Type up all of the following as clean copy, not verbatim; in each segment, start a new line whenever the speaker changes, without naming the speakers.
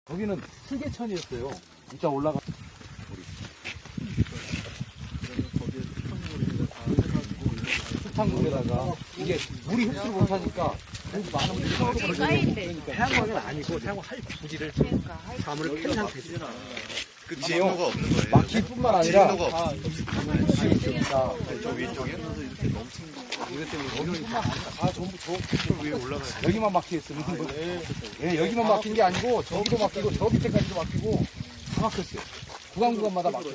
거기는 풀개천이었어요. 이따 올라가. 흙탕물에다가 이게 물이 흡수를 못하니까 많은 물이 쌓인대.
태양광은 아니고 태양광 할 부지를 나무를 캔 상태지.
그치요? 막히뿐만 아니라
없어.
있으니까
저 위쪽에
이것 때문에 여기뿐만 아니라 다 전부 저 위에 올라가요. 여기만 막히겠으면 예, 여기만 막힌 게 아니고 저기도 막히고 저 밑에까지도 막히고 다 막혔어요. 구간구간마다 막혔어요.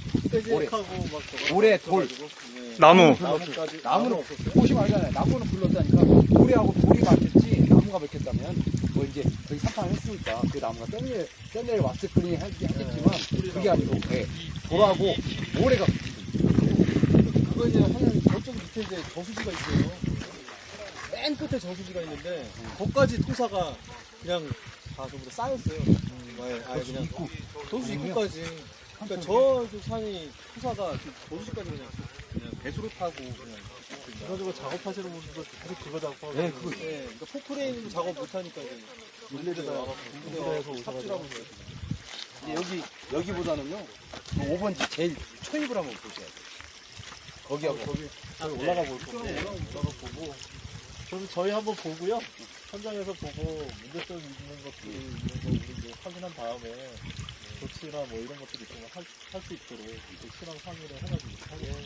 올해 돌
나무.
나무는 꽃이 말잖아요. 나무는 불렀다니까 모래하고 돌이 막혔지 나무가 막혔다면 뭐 이제 저기 산판을 했으니까 그 나무가 떼내려 왔을 거니 하겠지만 그게 아니고 돌하고 모래가
그거 이제 한 저쪽 밑에 이제 저수지가 있어요. 맨 끝에 저수지가 있는데 거기까지 토사가 그냥 다 전부 다 쌓였어요. 아예 그냥 저수지 입구까지. 그러니까 저쪽 산이 토사가 저수지까지 그냥 배수로 타고 그냥 그래가지고 작업하시는 분들도 계속 그거 작업하고.
네, 그거.
네, 그러니까 포크레인 작업 못하니까 이제 물레에다 와서 삽질하고 있어요.
근데 여기보다는요 5번지 제일 초입을 한번 보셔야 돼요. 거기하고
거기 올라가 볼 건데 올라가 보고 그럼 저희 한번 보고요 현장에서 보고 문제점 있는 것들 있는 거 우리 이제 확인한 다음에 조치나 뭐 이런 것들이 있으면 할 수 있도록 조치랑 상의를 해가지고 하고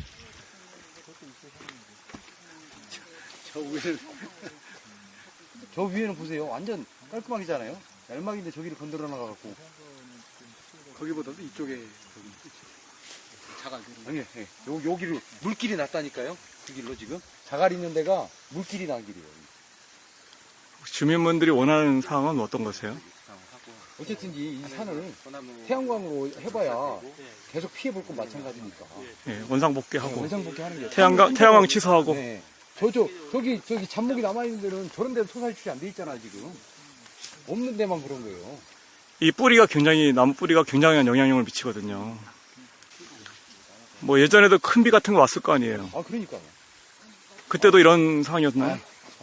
저 위에는 보세요. 완전 깔끔하게잖아요. 얄막인데 저기를 건드려 나가갖고
거기보다도 이쪽에
아니, 여기를 물길이 났다니까요. 그 길로 지금 자갈 있는 데가 물길이 난 길이에요.
주민분들이 원하는 사항은 어떤 거세요?
어쨌든 이 산을 태양광으로 해봐야 계속 피해볼 건 마찬가지니까.
예, 원상복귀하고
원상복귀 하는 게
태양광 취소하고.
네. 저기 잔목이 남아있는 데는 저런 데는 토사 유출이 안 돼 있잖아 지금. 없는 데만 그런 거예요.
이 나무 뿌리가 굉장한 영향력을 미치거든요. 뭐 예전에도 큰 비 같은 거 왔을 거 아니에요.
아 그러니까요.
그때도 이런 상황이었나요?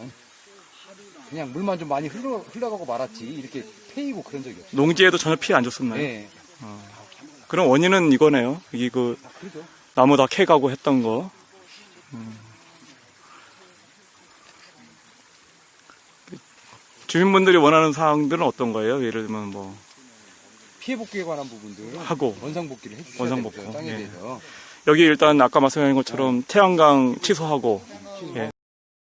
그냥 물만 좀 많이 흘러가고 말았지 이렇게 패이고 그런 적이 없어요.
농지에도 전혀 피해 안 줬었나요?
네.
그럼 원인은 이거네요. 이게
그죠.
나무 다 캐가고 했던 거. 주민분들이 원하는 사항들은 어떤 거예요? 예를 들면 뭐
피해 복귀에 관한 부분들
하고
원상 복귀를 해주셔야
원상
되죠.
복구.
땅에
예.
대해서.
여기 일단 아까 말씀하신 것처럼 태양광 취소하고 예.